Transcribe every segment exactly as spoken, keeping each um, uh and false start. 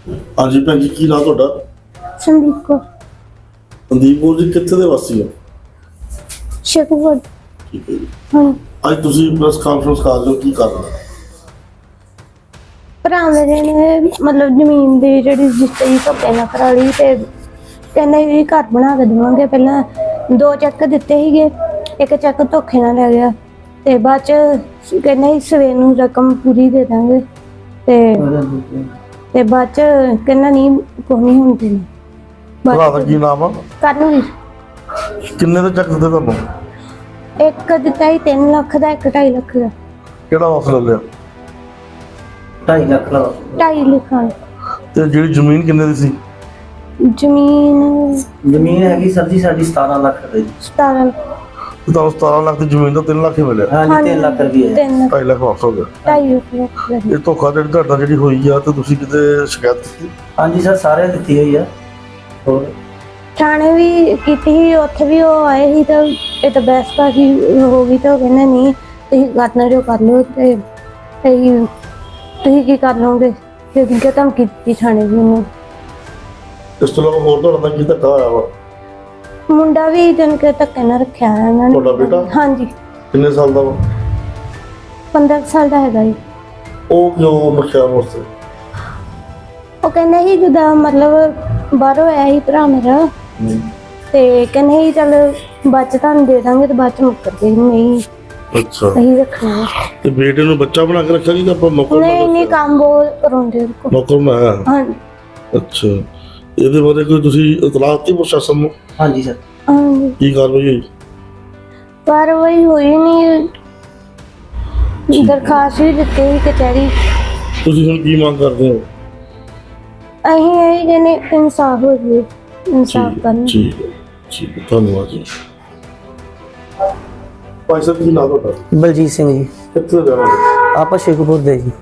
हाँ जी भैन जी की नाम ਤੁਹਾਡਾ? संदीप को ਸੰਦੀਪ ਕੌਰ ਜੀ ਕਿੱਥੇ ਦੇ ਵਾਸੀ ਹੋ? शेखपुर। ਠੀਕ ਹੈ ਜੀ। हाँ ਅੱਜ ਤੁਸੀਂ ਪ੍ਰੈਸ ਕਾਨਫਰੰਸ ਕਰ ਰਹੇ ਹੋ, ਕੀ ਕਰ ਰਹੇ ਹੋ? ਭਰਾ ਮੇਰੇ ਨੇ ਮਤਲਬ ਜ਼ਮੀਨ ਦੀ ਜਿਹੜੀ ਰਜਿਸਟਰੀ ਧੱਕੇ ਨਾਲ ਕਰਾ ਲਈ ਤੇ ਕਹਿੰਦੇ ਵੀ ਘਰ ਬਣਾ ਕੇ ਦੇਵਾਂਗੇ। ਪਹਿਲਾਂ ਦੋ ਚੈੱਕ ਦਿੱਤੇ ਸੀਗੇ, ਇੱਕ ਚੈੱਕ ਧੋਖੇ ਨਾਲ ਲੈ ਗਿਆ ਤੇ ਬਾਅਦ ਚ ਕਹਿੰਦੇ ਸੀ ਸਵੇਰ ਨੂੰ ਰਕਮ ਪੂਰੀ ਦੇ ਦਾਂਗੇ ਤੇ ਤੇ ਬਾਅਦ ਚ ਕਹਿੰਦਾ ਨਹੀਂ ਕੋਈ ਨਹੀਂ ਹੁੰਦੀ। ਭਰਾ ਦਾ ਕੀ ਨਾਮ ਆ? ਕਰਨ ਕਿੰਨੇ ਦਾ ਚੱਕ ਦਿੱਤੇ ਤੁਹਾਨੂੰ? ਇੱਕ ਦਿੱਤਾ ਸੀ ਤਿੰਨ ਲੱਖ ਦਾ, ਇੱਕ ਢਾਈ ਲੱਖ ਦਾ। ਕਿਹੜਾ ਵਾਪਸ ਲੈ ਲਿਆ? ਢਾਈ ਲੱਖ ਦਾ ਢਾਈ ਲੱਖਾਂ ਤੇ ਜਿਹੜੀ ਜ਼ਮੀਨ ਕਿੰਨੇ ਦੀ ਸੀ? ਜ਼ਮੀਨ ਜ਼ਮੀਨ ਹੈਗੀ ਸਰ ਜੀ ਸਾਡੀ ਸਤਾਰਾਂ ਲੱਖ ਰੁਪਏ ਦੀ। ਸਤਾਰਾਂ ਤੇ ਤੁਹਾਨੂੰ ਸਤਾਰਾਂ ਲੱਖ ਦੀ ਜ਼ਮੀਨ ਦਾ ਤਿੰਨ ਲੱਖ ਹੀ ਮਿਲਿਆ, ਹਾਂਜੀ ਤਿੰਨ ਲੱਖ ਰੁਪਏ ਤਿੰਨ ਢਾਈ ਲੱਖ ਵਾਪਸ ਹੋ ਗਿਆ। ਢਾਈ ਲੱਖ ਦਾ। ਇਹ ਧੋਖਾ ਜਿਹੜੀ ਤੁਹਾਡਾ ਜਿਹੜੀ ਹੋਈ ਆ ਤੇ ਤੁਸੀਂ ਕਿਤੇ ਸ਼ਿਕਾਇਤ ਕੀਤੀ? ਹਾਂਜੀ ਸਰ ਸਾਰੇ ਦਿੱਤੀ ਹੋਈ ਆ। ਹੋਰ ਥਾਣੇ ਵੀ ਕੀਤੀ ਸੀ, ਉੱਥੇ ਵੀ ਉਹ ਆਏ ਸੀ ਤਾਂ ਇਹ ਤਾਂ ਬਹਿਸ ਬਾਜ਼ੀ ਹੋ ਗਈ ਤਾਂ ਉਹ ਕਹਿੰਦੇ ਨਹੀਂ ਤੁਸੀਂ ਕਰਨਾ ਜੋ ਕਰ ਲਓ ਤੇ ਤੁਸੀਂ ਤੁਸੀਂ ਕੀ ਕਰ ਲਓਗੇ ਤੇ ਕਿ ਧਮਕੀ ਦਿੱਤੀ ਥਾਣੇ ਵੀ ਉਹਨੂੰ। ਇਸ ਤੋਂ ਇਲਾਵਾ ਹੋਰ ਤੁਹਾਡਾ ਕੀ ਧੱਕਾ ਹੋਇਆ ਵਾ? ਮੁੰਡਾ ਵੀ ਜਨ ਕੇ ਧੱਕੇ ਨਾਲ ਰੱਖਿਆ ਹੈ ਇਹਨਾਂ ਨੇ। ਤੁਹਾਡਾ ਬੇਟਾ? ਹਾਂਜੀ ਕਿੰਨੇ ਸਾਲ ਦਾ ਵਾ? ਪੰਦਰਾਂ ਸਾਲ ਦਾ ਹੈਗਾ ਜੀ। ਉਹ ਕਿਉਂ ਰੱਖਿਆ ਵਾਸਤੇ? ਉਹ ਕਹਿੰਦੇ ਸੀ ਜਿੱਦਾਂ ਮਤਲਬ ਬਾਹਰੋਂ ਆਇਆ ਸੀ ਭਰਾ ਮੇਰਾ ਤੇ ਕਹਿੰਦੇ ਸੀ ਚੱਲ ਬਾਅਦ ਚ ਤੁਹਾਨੂੰ ਦੇ ਦਾਂਗੇ ਤੇ ਬਾਅਦ ਚ ਮੁੱਕਰ ਗਏ ਨਹੀਂ ਅੱਛਾ, ਅਸੀਂ ਰੱਖਣਾ। ਤੇ ਬੇਟੇ ਨੂੰ ਬੱਚਾ ਬਣਾ ਕੇ ਰੱਖਿਆ ਕਿ ਆਪਾਂ ਨੌਕਰ ਬਣਾ ਨਹੀਂ ਨਹੀਂ ਕੇ? ਕੰਮ ਬੋਲ ਕਰਾਉਂਦੇ ਕੋ। ਨੌਕਰ ਬਣਾਇਆ? ਹਾਂਜੀ ਅੱਛਾ, ਇਹਦੇ ਬਾਰੇ ਕੋਈ ਤੁਸੀਂ ਇਤਲਾਹ ਦਿੱਤੀ ਪ੍ਰਸ਼ਾਸਨ ਨੂੰ? ਹਾਂਜੀ ਸਰ ਹਾਂਜੀ ਕੀ ਕਾਰਵਾਈ ਹੋਈ? ਕਾਰਵਾਈ ਹੋਈ ਨਹੀਂ, ਦਰਖਾਸਤ ਵੀ ਦਿੱਤੀ ਸੀ ਕਚਹਿਰੀ। ਤੁਸੀਂ ਹੁਣ ਕੀ ਮੰਗ ਕਰਦੇ ਹੋ? ਅਸੀਂ ਇਹ ਜਿਹਨੇ ਇਨਸਾਫ ਹੋ ਜਾਵੇ, ਇਨਸਾਫ ਕਰਨ। ਠੀਕ ਹੈ, ਠੀਕ ਹੈ, ਧੰਨਵਾਦ ਜੀ। ਭਾਈ ਸਾਹਿਬ ਕੀ ਨਾਮ ਤੁਹਾਡਾ? ਬਲਜੀਤ ਸਿੰਘ ਜੀ, ਕਿੱਥੇ ਦਾ ਰਹਿਣ ਵਾਲੇ? ਆਪਾਂ ਸ਼ੇਖੂਪੁਰ ਦੇ ਜੀ।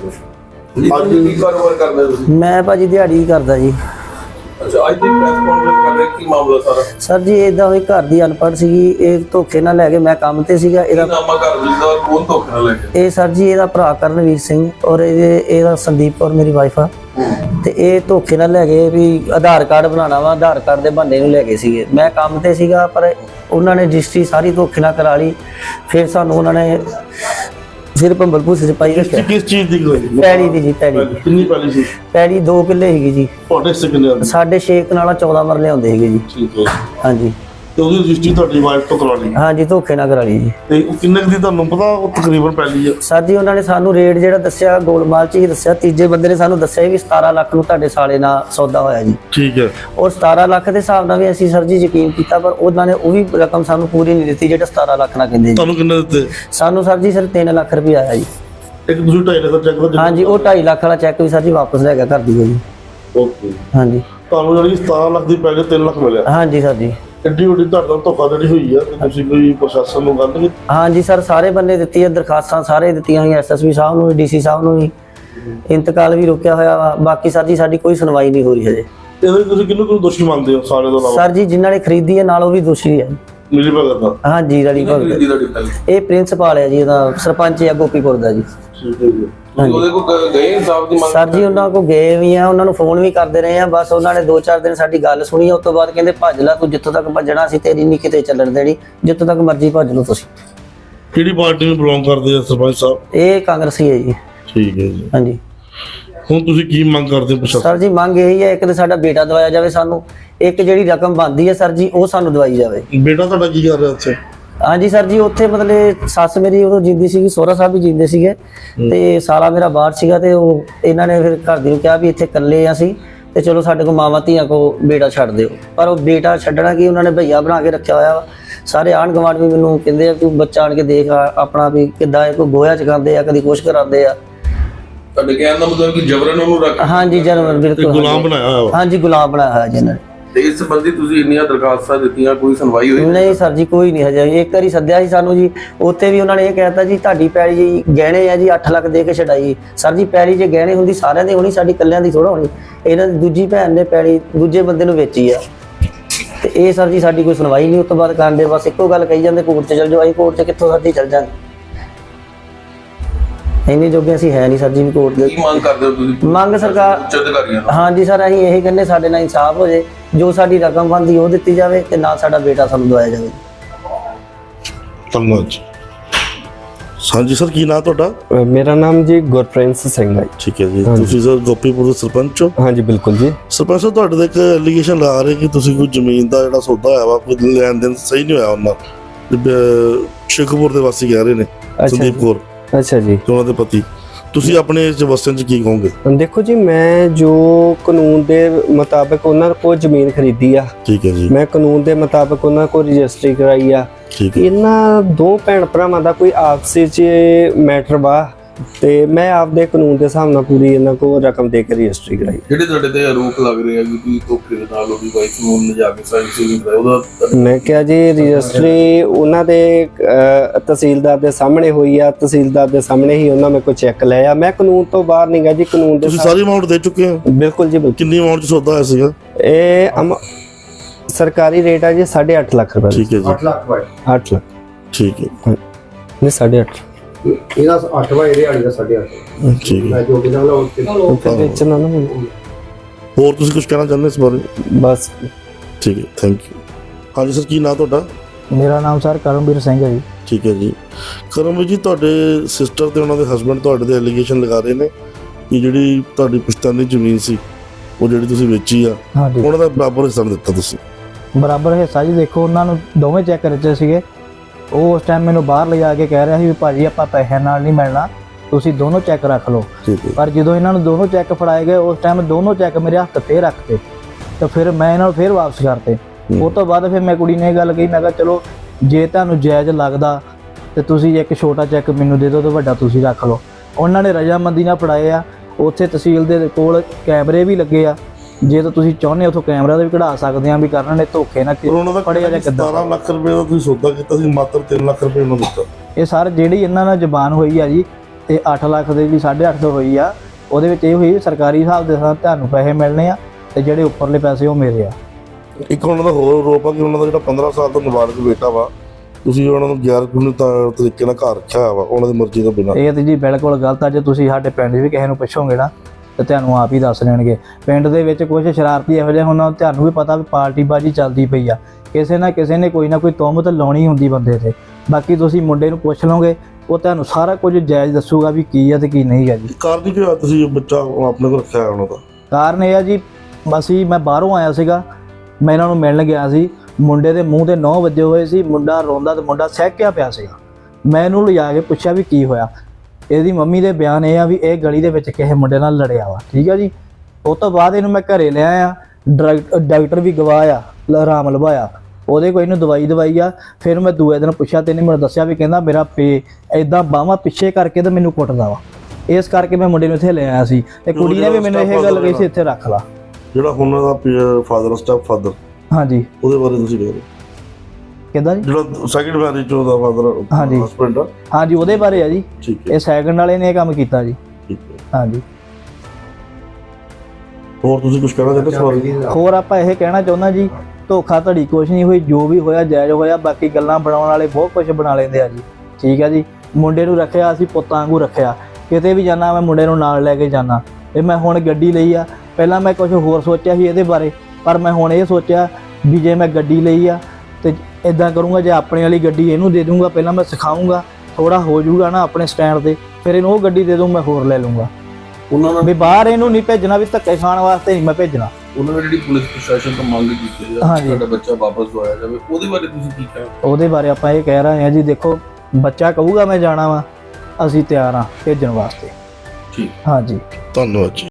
ਅੱਜ ਕੀ ਕਾਰੋਬਾਰ ਕਰਦੇ ਹੋ ਤੁਸੀਂ? ਮੈਂ ਭਾਜੀ ਦਿਹਾੜੀ ਕਰਦਾ ਜੀ। ਅੱਛਾ, ਅੱਜ ਦੀ ਪ੍ਰੈਸ ਕਾਨਫਰੰਸ ਕਰ ਰਹੇ, ਕੀ ਮਾਮਲਾ ਸਾਰਾ? ਸਰ ਜੀ ਇਦਾਂ ਹੋਈ, ਘਰ ਦੀ ਅਨਪੜ੍ਹ ਸੀਗੀ, ਇਹ ਧੋਖੇ ਨਾਲ ਲੈ ਕੇ ਮੈਂ ਕੰਮ ਤੇ ਸੀਗਾ। ਇਹਦਾ ਨਾਮਾ ਘਰ ਦਾ ਕੌਣ ਧੋਖੇ ਨਾਲ ਲੈ ਗਿਆ? ਇਹ ਸਰ ਜੀ ਇਹਦਾ ਭਰਾ ਕਰਨਵੀਰ ਸਿੰਘ ਔਰ ਇਹਦੇ ਇਹਦਾ ਸੰਦੀਪ ਕੌਰ ਮੇਰੀ ਵਾਈਫ ਆ। ਤੇ ਇਹ ਧੋਖੇ ਨਾਲ ਲੈ ਗਏ ਵੀ ਆਧਾਰ ਕਾਰਡ ਬਣਾਉਣਾ ਵਾ, ਆਧਾਰ ਕਾਰਡ ਦੇ ਬਹਾਨੇ ਨੂੰ ਲੈ ਗਏ ਸੀਗੇ। ਮੈਂ ਕੰਮ ਤੇ ਸੀਗਾ ਪਰ ਉਹਨਾਂ ਨੇ ਰਜਿਸਟਰੀ ਸਾਰੀ ਧੋਖੇ ਨਾਲ ਕਰਾ ਲਈ। ਫਿਰ ਸਾਨੂੰ ਉਹਨਾਂ ਨੇ ਫਿਰ ਭੰਬਲਪੁਰ ਚ ਪਾਈ ਰੱਖਿਆ। ਕਿਸ ਚੀਜ਼ ਦੀ ਹੋਈ? ਪੈੜੀ ਦੀ ਜੀ, ਪੈੜੀ ਦੀ। ਕਿੰਨੀ ਪੈਲੀ ਸੀ? ਪੈੜੀ ਦੋ ਕਿੱਲੇ ਸੀਗੀ ਜੀ। ਤੁਹਾਡੇ ਸੇ ਕਿੰਨੇ ਆਉਂਦੇ? ਸਾਡੇ ਛੇ ਕਨਾਲਾਂ ਚੌਦਾਂ ਮਰਲੇ ਆਉਂਦੇ ਸੀਗੇ ਜੀ। ਠੀਕ ਹੈ, ਹਾਂਜੀ ਤੇ ਉਹਦੀ ਰਜਿਸਟਰੀ ਤੁਹਾਡੀ ਵਾਈਫ ਤੋਂ ਕਰਾ ਲਈ ਹਾਂਜੀ ਧੋਖੇ ਨਾਲ ਕਰਾ ਲਈ ਜੀ। ਤੇ ਉਹ ਕਿੰਨੇ ਕੁ ਦੀ ਤੁਹਾਨੂੰ ਪਤਾ ਉਹ ਤਕਰੀਬਨ ਪੈਲੀ ਆ? ਸਰ ਜੀ ਉਹਨਾਂ ਨੇ ਸਾਨੂੰ ਰੇਟ ਜਿਹੜਾ ਦੱਸਿਆ ਗੋਲਮਾਲ ਚ ਹੀ ਦੱਸਿਆ। ਤੀਜੇ ਬੰਦੇ ਨੇ ਸਾਨੂੰ ਦੱਸਿਆ ਵੀ ਸਤਾਰਾਂ ਲੱਖ ਨੂੰ ਤੁਹਾਡੇ ਸਾਲੇ ਨਾਲ ਸੌਦਾ ਹੋਇਆ ਜੀ। ਠੀਕ ਹੈ, ਔਰ ਸਤਾਰਾਂ ਲੱਖ ਦੇ ਹਿਸਾਬ ਨਾਲ ਵੀ ਅਸੀਂ ਸਰ ਜੀ ਯਕੀਨ ਕੀਤਾ, ਪਰ ਉਹਨਾਂ ਨੇ ਉਹ ਵੀ ਰਕਮ ਸਾਨੂੰ ਪੂਰੀ ਨਹੀਂ ਦਿੱਤੀ ਜਿਹੜਾ ਸਤਾਰਾਂ ਲੱਖ ਨਾਲ ਕਹਿੰਦੇ ਜੀ। ਤੁਹਾਨੂੰ ਕਿੰਨੇ ਦਿੱਤੇ? ਸਾਨੂੰ ਸਰ ਜੀ ਸਿਰ ਤਿੰਨ ਲੱਖ ਰੁਪਏ ਆਇਆ ਜੀ। ਇੱਕ ਤੁਸੀਂ ਢਾਈ ਲੱਖ ਦਾ ਚੈੱਕ ਦਾ? ਹਾਂਜੀ ਉਹ ਢਾਈ ਲੱਖ ਵਾਲਾ ਚੈੱਕ ਵੀ ਸਰ ਜੀ ਵਾਪਸ ਲੈ ਗਿਆ ਕਰ ਦਿਓ ਜੀ। ਓਕੇ, ਹਾਂਜੀ ਤੁਹਾਨੂੰ ਜਿਹੜੀ ਸਤਾਰਾਂ ਲੱਖ ਦੀ ਪੈਲੀ ਤਿੰਨ ਲੱਖ ਮਿਲਿਆ। ਹਾਂਜੀ ਸਰ ਜੀ। ਐਡੀ ਵੱਡੀ ਤੁਹਾਡਾ ਧੋਖਾਧੜੀ ਹੋਈ ਆ ਤੇ ਤੁਸੀਂ ਕੋਈ ਪ੍ਰਸ਼ਾਸਨ ਨੂੰ ਗੱਲ ਨਹੀਂ ਕੀਤੀ? ਹਾਂਜੀ ਸਰ ਸਾਰੇ ਬੰਦੇ ਦਿੱਤੀ ਹੈ ਦਰਖਾਸਤਾਂ, ਸਾਰੇ ਦਿੱਤੀਆਂ ਹੋਈਆਂ, ਐਸਐਸਪੀ ਸਾਹਿਬ ਨੂੰ ਵੀ, ਡੀਸੀ ਸਾਹਿਬ ਨੂੰ ਵੀ। ਇੰਤਕਾਲ ਵੀ ਰੋਕਿਆ ਹੋਇਆ ਵਾ। ਬਾਕੀ ਸਰ ਜੀ ਸਾਡੀ ਕੋਈ ਸੁਣਵਾਈ ਨਹੀਂ ਹੋ ਰਹੀ ਹਜੇ। ਇਹਦੇ ਵਿੱਚ ਤੁਸੀਂ ਕਿਹਨੂੰ ਕਿਹਨੂੰ ਦੋਸ਼ੀ ਮੰਨਦੇ ਹੋ ਸਾਰੇ ਤੋਂ ਇਲਾਵਾ? ਸਰ ਜੀ ਜਿਨ੍ਹਾਂ ਨੇ ਖਰੀਦੀ ਹੈ ਨਾਲ ਉਹ ਵੀ ਦੋਸ਼ੀ ਹੈ। ਮਿਲੀ ਭਗਤ ਦਾ? ਹਾਂਜੀ ਰਲੀ ਭਗਤ ਇਹ ਪ੍ਰਿੰਸੀਪਲ ਹੈ ਜੀ, ਇਹਦਾ ਸਰਪੰਚ ਹੈ ਗੋਪੀਪੁਰ ਦਾ ਜੀ। ਠੀਕ ਹੈ ਜੀ। ਹਾਂਜੀ। ਉਹਦੇ ਕੋਲ ਗਏ ਇਨਸਾਫ ਦੀ ਮੰਗ? ਸਰ ਜੀ ਉਹਨਾਂ ਕੋ ਗਏ ਵੀ ਆ, ਉਹਨਾਂ ਨੂੰ ਫੋਨ ਵੀ ਕਰਦੇ ਰਹੇ ਆ। ਬਸ ਉਹਨਾਂ ਨੇ ਦੋ ਚਾਰ ਦਿਨ ਸਾਡੀ ਗੱਲ ਸੁਣੀ, ਉਸ ਤੋਂ ਬਾਅਦ ਕਹਿੰਦੇ ਭੱਜ ਲੈ ਤੂੰ, ਜਿੱਥੋਂ ਤੱਕ ਭੱਜਣਾ ਸੀ ਤੇਰੀ ਨਹੀਂ ਕਿਤੇ ਚੱਲਣ ਦੇਣੀ, ਜਿੱਥੋਂ ਤੱਕ ਮਰਜ਼ੀ ਭੱਜ ਲਓ ਤੁਸੀਂ। ਕਿਹੜੀ ਪਾਰਟੀ ਨੂੰ ਬਿਲੋਂਗ ਕਰਦੇ ਆ ਸਰਪੰਚ ਸਾਹਿਬ? ਇਹ ਕਾਂਗਰਸੀ ਹੈ ਜੀ। ਠੀਕ ਹੈ ਜੀ। ਹਾਂਜੀ ਹੁਣ ਤੁਸੀਂ ਕੀ ਮੰਗ ਕਰਦੇ ਹੋ ਪ੍ਰਸ਼ਾਸਨ? ਸਰ ਜੀ ਮੰਗ ਇਹੀ ਹੈ, ਇੱਕ ਤਾਂ ਸਾਡਾ ਬੇਟਾ ਦਵਾਇਆ ਜਾਵੇ ਸਾਨੂੰ, ਇੱਕ ਜਿਹੜੀ ਰਕਮ ਬਣਦੀ ਹੈ ਸਰ ਜੀ ਉਹ ਸਾਨੂੰ ਦਵਾਈ ਜਾਵੇ। ਬੇਟਾ ਤੁਹਾਡਾ ਕੀ ਕਰ ਰਿਹਾ ਉੱਥੇ? ਹਾਂਜੀ ਸਰ ਜੀ ਉੱਥੇ ਮਤਲਬ ਸੱਸ ਮੇਰੀ ਉਦੋਂ ਜਿੰਦੀ ਸੀਗੀ, ਸਹੁਰਾ ਸਾਹਿਬ ਵੀ ਜਿੰਦੇ ਸੀਗੇ ਤੇ ਸਾਲਾ ਮੇਰਾ ਬਾਹਰ ਸੀਗਾ। ਤੇ ਉਹ ਇਹਨਾਂ ਨੇ ਫਿਰ ਘਰ ਦੀ ਨੂੰ ਕਿਹਾ ਵੀ ਇੱਥੇ ਇਕੱਲੇ ਆ ਅਸੀਂ ਤੇ ਚਲੋ ਸਾਡੇ ਕੋਲ ਮਾਵਾਂ ਧੀਆਂ ਕੋ ਬੇਟਾ ਛੱਡ ਦਿਓ। ਪਰ ਉਹ ਬੇਟਾ ਛੱਡਣਾ ਕੀ, ਉਹਨਾਂ ਨੇ ਭਈਆ ਬਣਾ ਕੇ ਰੱਖਿਆ ਹੋਇਆ ਵਾ। ਸਾਰੇ ਆਂਢ ਗੁਆਂਢ ਵੀ ਮੈਨੂੰ ਕਹਿੰਦੇ ਆ ਤੂੰ ਬੱਚਾ ਆਣ ਕੇ ਦੇਖ ਆਪਣਾ ਵੀ ਕਿੱਦਾਂ ਇਹ ਕੋਈ ਗੋਇਆ ਚਕਾਉਂਦੇ ਆ, ਕਦੀ ਕੁਛ ਕਰਾਉਂਦੇ ਆ। ਤੁਹਾਡੇ ਕਹਿਣ ਦਾ ਮਤਲਬ ਕਿ ਜਬਰਨ ਉਹਨੂੰ ਰੱਖ? ਹਾਂਜੀ ਜਨਮ ਬਿਲਕੁਲ ਗੁਲਾਮ ਬਣਾਇਆ ਹੋਇਆ ਵਾ? ਹਾਂਜੀ ਗੁਲਾਮ ਬਣਾਇਆ ਹੋਇਆ ਜੀ ਇਹਨਾਂ ਨੇ। ਤੇ ਇਸ ਸੰਬੰਧੀ ਤੁਸੀਂ ਇੰਨੀਆਂ ਦਰਖਾਸਤਾਂ ਦਿੱਤੀਆਂ, ਕੋਈ ਸੁਣਵਾਈ ਹੋਈ? ਨਹੀਂ ਸਰ ਜੀ ਕੋਈ ਨਹੀਂ ਹਜੇ। ਇੱਕ ਵਾਰੀ ਸੱਦਿਆ ਸੀ ਸਾਨੂੰ ਜੀ, ਉੱਥੇ ਵੀ ਉਹਨਾਂ ਨੇ ਇਹ ਕਹਿਤਾ ਜੀ ਤੁਹਾਡੀ ਪੈਲੀ ਜੀ ਗਹਿਣੇ ਆ ਜੀ ਅੱਠ ਲੱਖ ਦੇ ਕੇ ਛਡਾਈ। ਸਰ ਜੀ ਪੈਲੀ ਜੇ ਗਹਿਣੇ ਹੁੰਦੀ ਸਾਰਿਆਂ ਦੀ ਹੋਣੀ, ਸਾਡੀ ਇਕੱਲਿਆਂ ਦੀ ਥੋੜਾ ਹੋਣੀ। ਇਹਨਾਂ ਦੀ ਦੂਜੀ ਭੈਣ ਨੇ ਪੈਲੀ ਦੂਜੇ ਬੰਦੇ ਨੂੰ ਵੇਚੀ ਆ ਤੇ ਇਹ ਸਰ ਜੀ ਸਾਡੀ ਕੋਈ ਸੁਣਵਾਈ ਨਹੀਂ ਉਸ ਤੋਂ ਬਾਅਦ ਕਰਦੇ। ਬਸ ਇੱਕੋ ਗੱਲ ਕਹੀ ਜਾਂਦੇ ਕੋਰਟ 'ਚ ਚਲ ਜਾਓ। ਅਸੀਂ ਕੋਰਟ 'ਚ ਕਿੱਥੋਂ ਸਰ ਜੀ ਚਲ ਜਾਂਗੇ। ਇੰਨੇ ਜੋਗੇ ਅਸੀਂ ਹੈ ਨਹੀਂ ਸਰ ਜੀ ਵੀ ਕੋਰਟ ਦੇ ਕੀ ਮੰਗ ਕਰਦੇ ਹੋ ਤੁਸੀਂ ਮੰਗ ਸਰਕਾਰ ਉੱਚ ਅਧਿਕਾਰੀਆਂ ਤੋਂ? ਹਾਂਜੀ ਸਰ ਅਸੀਂ ਇਹੀ ਕਹਿੰਦੇ ਸਾਡੇ ਨਾਲ ਇਨਸਾਫ ਹੋ ਜੇ, ਜੋ ਸਾਡੀ ਰਕਮ ਬਣਦੀ ਉਹ ਦਿੱਤੀ ਜਾਵੇ ਤੇ ਨਾਲ ਸਾਡਾ ਬੇਟਾ ਸਾਨੂੰ ਦਵਾਇਆ ਜਾਵੇ। ਧੰਨਵਾਦ ਜੀ। ਹਾਂਜੀ ਸਰ, ਕੀ ਨਾਂ ਤੁਹਾਡਾ? ਅ, ਮੇਰਾ ਨਾਮ ਜੀ ਗੁਰਪ੍ਰਿੰਸ ਸਿੰਘ ਹੈ। ਠੀਕ ਹੈ ਜੀ, ਤੁਸੀਂ ਸਰ ਗੋਪੀਪੁਰ ਦੇ ਸਰਪੰਚ ਹੋ? ਹਾਂਜੀ ਬਿਲਕੁਲ ਜੀ। ਸਰਪੰਚ ਸਾਹਿਬ, ਤੁਹਾਡੇ ਤੇ ਇੱਕ ਐਲੀਗੇਸ਼ਨ ਲਾ ਰਹੇ ਕਿ ਤੁਸੀਂ ਕੋਈ ਜ਼ਮੀਨ ਦਾ ਜਿਹੜਾ ਸੌਦਾ ਹੋਇਆ ਵਾ ਕੋਈ ਲੈਣ ਦੇਣ ਸਹੀ ਨਹੀਂ ਹੋਇਆ ਉਹਨਾਂ ਨਾਲ। ਸ਼ੇਖੂਪੁਰ ਦੇ ਵਾਸੀ ਕਹਿ ਰਹੇ ਨੇ, ਸੰਦੀਪ ਜੀ। ਕੌਰ ਅੱਛਾ ਜੀ। ਤੇ ਉਹਨਾਂ ਦੇ ਪਤੀ। ਤੁਸੀਂ ਆਪਣੇ ਇਸ ਵਸਨ ਚ ਕੀ ਕਹੋਗੇ? ਦੇਖੋ ਜੀ, ਮੈਂ ਜੋ ਕਾਨੂੰਨ ਦੇ ਮੁਤਾਬਕ ਉਹਨਾਂ ਕੋਲ ਜ਼ਮੀਨ ਖਰੀਦੀ ਆ, ਠੀਕ ਹੈ ਜੀ, ਮੈਂ ਕਾਨੂੰਨ ਦੇ ਮੁਤਾਬਕ ਉਹਨਾਂ ਕੋਲ ਰਜਿਸਟਰੀ ਕਰਾਈ ਆ। ਠੀਕ ਹੈ। ਇਹਨਾਂ ਦੋ ਭੈਣ ਭਰਾਵਾਂ ਦਾ ਕੋਈ ਆਪਸੀ ਚ ਮੈਟਰ ਵਾ ਤੇ ਮੈਂ ਆਪਦੇ ਕਾਨੂੰਨ ਦੇ ਹਿਸਾਬ ਨਾਲ ਪੂਰੀ ਇਹਨਾਂ ਕੋਲ ਰਕਮ ਦੇ ਕੇ ਰਜਿਸਟਰੀ ਕਰਾਈ। ਜਿਹੜੇ ਤੁਹਾਡੇ ਤੇ ਆਰੋਪ ਲੱਗ ਰਹੇ ਆ ਕਿ ਤੁਸੀਂ ਧੋਖੇ ਦੇ ਨਾਲ ਉਹਦੀ ਵਾਈਫ ਨੂੰ ਲਿਜਾ ਕੇ ਸਾਈਨ ਸੀਲਿੰਗ ਕਰਾਇਆ, ਉਹਦਾ ਮੈਂ ਕਿਹਾ ਜੀ ਰਜਿਸਟਰੀ ਉਹਨਾਂ ਦੇ ਅਹ, ਤਹਿਸੀਲਦਾਰ ਦੇ ਸਾਹਮਣੇ ਹੋਈ ਆ, ਤਹਿਸੀਲਦਾਰ ਦੇ ਸਾਹਮਣੇ ਹੀ ਉਹਨਾਂ ਮੇਰੇ ਕੋਲ ਚੈੱਕ ਲਿਆ। ਮੈਂ ਕਾਨੂੰਨ ਤੋਂ ਬਾਹਰ ਨਹੀਂ ਗਾ ਜੀ, ਕਾਨੂੰਨ ਦੇ ਤੁਸੀਂ ਸਾਰੀ ਅਮਾਉਂਟ ਦੇ ਚੁੱਕੇ ਹੋ? ਬਿਲਕੁਲ ਜੀ ਬਿਲਕੁਲ। ਕਿੰਨੀ ਅਮਾਉਂਟ ਚ ਸੌਦਾ ਹੋਇਆ ਸੀਗਾ? ਇਹ ਅਮ- ਸਰਕਾਰੀ ਰੇਟ ਆ ਜੀ ਸਾਢੇ ਅੱਠ ਲੱਖ ਰੁਪਏ। ਠੀਕ ਹੈ ਜੀ, ਅੱਠ ਲੱਖ ਵਾਏ ਅੱਠ ਲੱਖ ਠੀਕ ਹੈ, ਨਹੀਂ ਸਾਢੇ ਅੱਠ। ਇਹਦਾ ਅੱਠ ਵਾਏ ਦਿਹਾੜੀ ਦਾ ਸਾਢੇ ਅੱਠ। ਠੀਕ ਹੈ। ਮੈਂ ਜੋ ਕਿਹਾ ਨਾ ਉਸ ਤੇ ਫਿਰ ਵੇਚਣਾ ਨਾ ਮੈਨੂੰ। ਹੋਰ ਤੁਸੀਂ ਕੁਝ ਕਹਿਣਾ ਚਾਹੁੰਦੇ ਇਸ ਬਾਰੇ? ਬਸ ਠੀਕ ਹੈ, ਥੈਂਕ ਯੂ। ਹਾਂਜੀ ਸਰ, ਕੀ ਨਾਂ ਤੁਹਾਡਾ? ਮੇਰਾ ਨਾਮ ਸਰ ਕਰਮਵੀਰ ਸਿੰਘ ਹੈ ਜੀ। ਠੀਕ ਹੈ ਜੀ। ਕਰਮਵੀਰ ਜੀ, ਤੁਹਾਡੇ ਸਿਸਟਰ ਤੇ ਉਹਨਾਂ ਦੇ ਹਸਬੰਡ ਤੁਹਾਡੇ ਤੇ ਐਲੀਗੇਸ਼ਨ ਲਗਾ ਰਹੇ ਨੇ ਕਿ ਜਿਹੜੀ ਤੁਹਾਡੀ ਪੁਸ਼ਤੈਨੀ ਜ਼ਮੀਨ ਸੀ ਉਹ ਜਿਹੜੀ ਤੁਸੀਂ ਵੇਚੀ ਆ, ਹਾਂਜੀ, ਉਹਨਾਂ ਦਾ ਬਰਾਬਰ ਹਿੱਸਾ ਨਹੀਂ ਦਿੱਤਾ ਤੁਸੀਂ। ਬਰਾਬਰ ਹਿੱਸਾ ਜੀ। ਦੇਖੋ ਉਹਨਾਂ ਨੂੰ ਦੋਵੇਂ ਚੈੱਕ ਰਚੇ ਸੀਗੇ। ਉਹ ਉਸ ਟਾਈਮ ਮੈਨੂੰ ਬਾਹਰ ਲਿਜਾ ਕੇ ਕਹਿ ਰਿਹਾ ਸੀ ਵੀ ਭਾਜੀ ਆਪਾਂ ਪੈਸਿਆਂ ਨਾਲ ਨਹੀਂ ਮਿਲਣਾ, ਤੁਸੀਂ ਦੋਨੋਂ ਚੈੱਕ ਰੱਖ ਲਓ। ਠੀਕ ਹੈ, ਪਰ ਜਦੋਂ ਇਹਨਾਂ ਨੂੰ ਦੋਨੋਂ ਚੈੱਕ ਫੜਾਏ ਗਏ ਉਸ ਟਾਈਮ ਦੋਨੋਂ ਚੈੱਕ ਮੇਰੇ ਹੱਥ ਤੇ ਰੱਖਤੇ ਤੇ ਫਿਰ ਮੈਂ ਇਹਨਾਂ ਨੂੰ ਫਿਰ ਵਾਪਸ ਕਰਤੇ। ਉਹ ਤੋਂ ਬਾਅਦ ਫਿਰ ਮੈਂ ਕੁੜੀ ਨੇ ਇਹ ਗੱਲ ਕਹੀ, ਮੈਂ ਕਿਹਾ ਚਲੋ ਜੇ ਤੁਹਾਨੂੰ ਜਾਇਜ਼ ਲੱਗਦਾ ਤੇ ਤੁਸੀਂ ਇੱਕ ਛੋਟਾ ਚੈੱਕ ਮੈਨੂੰ ਦੇ ਦਿਓ ਤੇ ਵੱਡਾ ਤੁਸੀਂ ਰੱਖ ਲਓ। ਉਹਨਾਂ ਨੇ ਰਜਾਮੰਦੀ ਨਾਲ ਫੜਾਏ ਆ। ਉੱਥੇ ਤਹਿਸੀਲ ਦੇ ਕੋਲ ਕੈਮਰੇ ਵੀ ਲੱਗੇ ਆ, ਜੇ ਤਾਂ ਤੁਸੀਂ ਚਾਹੁੰਦੇ ਹੋ ਤਾਂ ਕੈਮਰਾ ਦਾ ਵੀ ਕਢਾ ਸਕਦੇ ਆ ਵੀ ਕਰਨ ਨੇ ਧੋਖੇ ਨਾ ਪਰ ਉਹਨਾਂ ਦਾ ਫੜਿਆ ਜਾਂ ਕਿੱਦਾਂ। ਸਤਾਰਾਂ ਲੱਖ ਰੁਪਏ ਦਾ ਤੁਸੀਂ ਸੌਦਾ ਕੀਤਾ ਸੀ, ਮਾਤਰ ਤਿੰਨ ਲੱਖ ਰੁਪਏ ਉਹਨਾਂ ਨੂੰ ਦਿੱਤਾ। ਇਹ ਸਰ ਜਿਹੜੀ ਇਹਨਾਂ ਨਾਲ ਜ਼ਬਾਨ ਹੋਈ ਆ ਜੀ ਤੇ ਅੱਠ ਲੱਖ ਦੇ ਵੀ ਸਾਢੇ ਅੱਠ ਸੌ ਹੋਈ ਆ, ਉਹਦੇ ਵਿੱਚ ਇਹ ਹੋਈ ਸਰਕਾਰੀ ਹਿਸਾਬ ਦੇ ਨਾਲ ਤੁਹਾਨੂੰ ਪੈਸੇ ਮਿਲਣੇ ਆ ਤੇ ਜਿਹੜੇ ਉੱਪਰਲੇ ਪੈਸੇ ਉਹ ਮੇਰੇ ਆ। ਇੱਕ ਉਹਨਾਂ ਦਾ ਹੋਰ ਆਰੋਪ ਆ ਕਿ ਉਹਨਾਂ ਦਾ ਜਿਹੜਾ ਪੰਦਰਾਂ ਸਾਲ ਤੋਂ ਨਾਬਾਲਗ ਬੇਟਾ ਵਾ, ਤੁਸੀਂ ਉਹਨਾਂ ਨੂੰ ਗੈਰ ਕਾਨੂੰਨੀ ਤਾਂ ਤਰੀਕੇ ਨਾਲ ਘਰ ਰੱਖਿਆ ਹੋਇਆ ਵਾ ਉਹਨਾਂ ਦੀ ਮਰਜ਼ੀ ਤੋਂ ਬਿਨਾਂ। ਇਹ ਤੇ ਜੀ ਬਿਲਕੁਲ ਗਲਤ ਆ। ਜੇ ਤੁਸੀਂ ਸਾਡੇ ਪਿੰਡ ਵੀ ਕਿਸੇ ਨੂੰ ਪੁੱਛੋਗੇ ਨਾ ਤੇ ਤੁਹਾਨੂੰ ਆਪ ਹੀ ਦੱਸ ਦੇਣਗੇ। ਪਿੰਡ ਦੇ ਵਿੱਚ ਕੁਝ ਸ਼ਰਾਰਤੀ ਇਹੋ ਜਿਹੇ ਹੁਣ ਤੁਹਾਨੂੰ ਵੀ ਪਤਾ ਵੀ ਪਾਰਟੀਬਾਜ਼ੀ ਚੱਲਦੀ ਪਈ ਆ, ਕਿਸੇ ਨਾ ਕਿਸੇ ਨੇ ਕੋਈ ਨਾ ਕੋਈ ਤੁਹਮਤ ਲਾਉਣੀ ਹੁੰਦੀ ਬੰਦੇ ਤੇ। ਬਾਕੀ ਤੁਸੀਂ ਮੁੰਡੇ ਨੂੰ ਪੁੱਛ ਲਓਗੇ, ਉਹ ਤੁਹਾਨੂੰ ਸਾਰਾ ਕੁਝ ਜਾਇਜ਼ ਦੱਸੂਗਾ ਵੀ ਕੀ ਆ ਤੇ ਕੀ ਨਹੀਂ ਆ ਜੀ। ਕਾਰਨ ਕੀ ਹੋਇਆ ਤੁਸੀਂ ਬੱਚਾ ਆਪਣੇ ਕੋਲ ਰੱਖਿਆ ਹੋਇਆ ਉਹਨਾਂ ਦਾ? ਕਾਰਨ ਇਹ ਆ ਜੀ, ਬਸ ਹੀ ਮੈਂ ਬਾਹਰੋਂ ਆਇਆ ਸੀਗਾ, ਮੈਂ ਇਹਨਾਂ ਨੂੰ ਮਿਲਣ ਗਿਆ ਸੀ। ਮੁੰਡੇ ਦੇ ਮੂੰਹ ਤੇ ਨੌ ਵੱਜੇ ਹੋਏ ਸੀ, ਮੁੰਡਾ ਰੋਂਦਾ ਤੇ ਮੁੰਡਾ ਸਹਿਕਿਆ ਪਿਆ ਸੀਗਾ। ਮੈਂ ਇਹਨੂੰ ਲਿਜਾ ਕੇ ਪੁੱਛਿਆ ਵੀ ਕੀ ਹੋਇਆ। ਇਹਦੀ ਮੰਮੀ ਦੇ ਬਿਆਨ ਇਹ ਆ ਵੀ ਇਹ ਗਲੀ ਦੇ ਵਿੱਚ ਕਿਸੇ ਮੁੰਡੇ ਨਾਲ ਲੜਿਆ ਵਾ। ਠੀਕ ਆ ਜੀ। ਉਸ ਤੋਂ ਬਾਅਦ ਇਹਨੂੰ ਮੈਂ ਘਰੇ ਲਿਆ ਆ, ਡਾਕਟਰ ਵੀ ਗਵਾਇਆ, ਆਰਾਮ ਲਵਾਇਆ, ਉਹਦੇ ਕੋਈ ਇਹਨੂੰ ਦਵਾਈ ਦਵਾਈ ਆ। ਫਿਰ ਮੈਂ ਦੂਏ ਦਿਨ ਪੁੱਛਿਆ ਤੇ ਇਹਨੇ ਮੈਨੂੰ ਦੱਸਿਆ ਵੀ ਕਹਿੰਦਾ ਮੇਰਾ ਪੇ ਇਦਾਂ ਬਾਹਾਂ ਪਿੱਛੇ ਕਰਕੇ ਤੇ ਮੈਨੂੰ ਕੁੱਟਦਾ ਵਾ। ਇਸ ਕਰਕੇ ਮੈਂ ਮੁੰਡੇ ਨੂੰ ਇੱਥੇ ਲੈ ਆਇਆ ਸੀ ਤੇ ਕੁੜੀ ਨੇ ਵੀ ਮੈਨੂੰ ਇਹ ਗੱਲ ਕਹੀ ਸੀ ਇੱਥੇ ਰੱਖ ਲਾ। ਜਿਹੜਾ ਹੁਣ ਦਾ ਫਾਦਰ ਸਟੈਪ ਫਾਦਰ, ਹਾਂਜੀ, ਉਹਦੇ ਬਾਰੇ ਤੁਸੀਂ ਕਹਿ ਰਹੇ ਕਿੱਦਾਂ ਜੀ? ਜਿਹੜਾ ਸੈਕਿੰਡ ਮੈਰਿਜ ਉਹਦਾ ਫਾਦਰ ਹਾਂਜੀ। ਹਸਬੰਡ ਆ? ਹਾਂਜੀ, ਉਹਦੇ ਬਾਰੇ ਆ ਜੀ। ਠੀਕ ਹੈ, ਇਹ ਸੈਕਿੰਡ ਵਾਲੇ ਨੇ ਇਹ ਕੰਮ ਕੀਤਾ ਜੀ। ਠੀਕ ਹੈ। ਹਾਂਜੀ। ਹੋਰ ਤੁਸੀਂ ਕੁਝ ਕਹਿਣਾ ਚਾਹੁੰਦੇ ਸਵਾਲ? ਹੋਰ ਆਪਾਂ ਇਹ ਕਹਿਣਾ ਚਾਹੁੰਦਾ ਜੀ, ਧੋਖਾ ਧੜੀ ਕੁਛ ਨਹੀਂ ਹੋਈ, ਜੋ ਵੀ ਹੋਇਆ ਜਾਇਜ਼ ਹੋਇਆ। ਬਾਕੀ ਗੱਲਾਂ ਬਣਾਉਣ ਵਾਲੇ ਬਹੁਤ ਕੁਝ ਬਣਾ ਲੈਂਦੇ ਆ ਜੀ। ਠੀਕ ਹੈ ਜੀ। ਮੁੰਡੇ ਨੂੰ ਰੱਖਿਆ ਅਸੀਂ ਪੁੱਤਾਂ ਵਾਂਗੂ ਰੱਖਿਆ, ਕਿਤੇ ਵੀ ਜਾਣਾ ਮੈਂ ਮੁੰਡੇ ਨੂੰ ਨਾਲ ਲੈ ਕੇ ਜਾਣਾ। ਇਹ ਮੈਂ ਹੁਣ ਗੱਡੀ ਲਈ ਆ, ਪਹਿਲਾਂ ਮੈਂ ਕੁਝ ਹੋਰ ਸੋਚਿਆ ਸੀ ਇਹਦੇ ਬਾਰੇ, ਪਰ ਮੈਂ ਹੁਣ ਇਹ ਸੋਚਿਆ ਵੀ ਜੇ ਮੈਂ ਗੱਡੀ ਲਈ ਆ ਤੇ ਇਦਾਂ ਕਰੂੰਗਾ, ਜੇ ਆਪਣੇ ਵਾਲੀ ਗੱਡੀ ਇਹਨੂੰ ਦੇ ਦੂੰਗਾ, ਪਹਿਲਾਂ ਮੈਂ ਸਿਖਾਊਂਗਾ, ਥੋੜਾ ਹੋ ਜਾਊਗਾ ਨਾ ਆਪਣੇ ਸਟੈਂਡ ਤੇ, ਫਿਰ ਇਹਨੂੰ ਉਹ ਗੱਡੀ ਦੇ ਦੂੰ, ਮੈਂ ਹੋਰ ਲੈ ਲੂੰਗਾ। ਉਹਨਾਂ ਨਾਲ ਵੀ ਬਾਹਰ ਇਹਨੂੰ ਨਹੀਂ ਭੇਜਣਾ, ਵੀ ਧੱਕੇ ਖਾਣ ਵਾਸਤੇ ਨਹੀਂ ਮੈਂ ਭੇਜਣਾ। ਉਹਨਾਂ ਨੇ ਜਿਹੜੀ ਪੁਲਿਸ ਪ੍ਰਸ਼ਾਸਨ ਤੋਂ ਮੰਗ ਕੀਤੀ ਹੈ ਹਾਂਜੀ। ਸਾਡਾ ਬੱਚਾ ਵਾਪਸ ਦਵਾਇਆ ਜਾਵੇ, ਉਹਦੇ ਬਾਰੇ ਤੁਸੀਂ ਕੀ ਕਹਿਣਾ? ਉਹਦੇ ਬਾਰੇ ਆਪਾਂ ਇਹ ਕਹਿ ਰਹੇ ਹਾਂ ਜੀ, ਦੇਖੋ ਬੱਚਾ ਕਹੂਗਾ ਮੈਂ ਜਾਣਾ ਵਾ, ਅਸੀਂ ਤਿਆਰ ਹਾਂ ਭੇਜਣ ਵਾਸਤੇ। ਠੀਕ। ਹਾਂਜੀ, ਧੰਨਵਾਦ ਜੀ।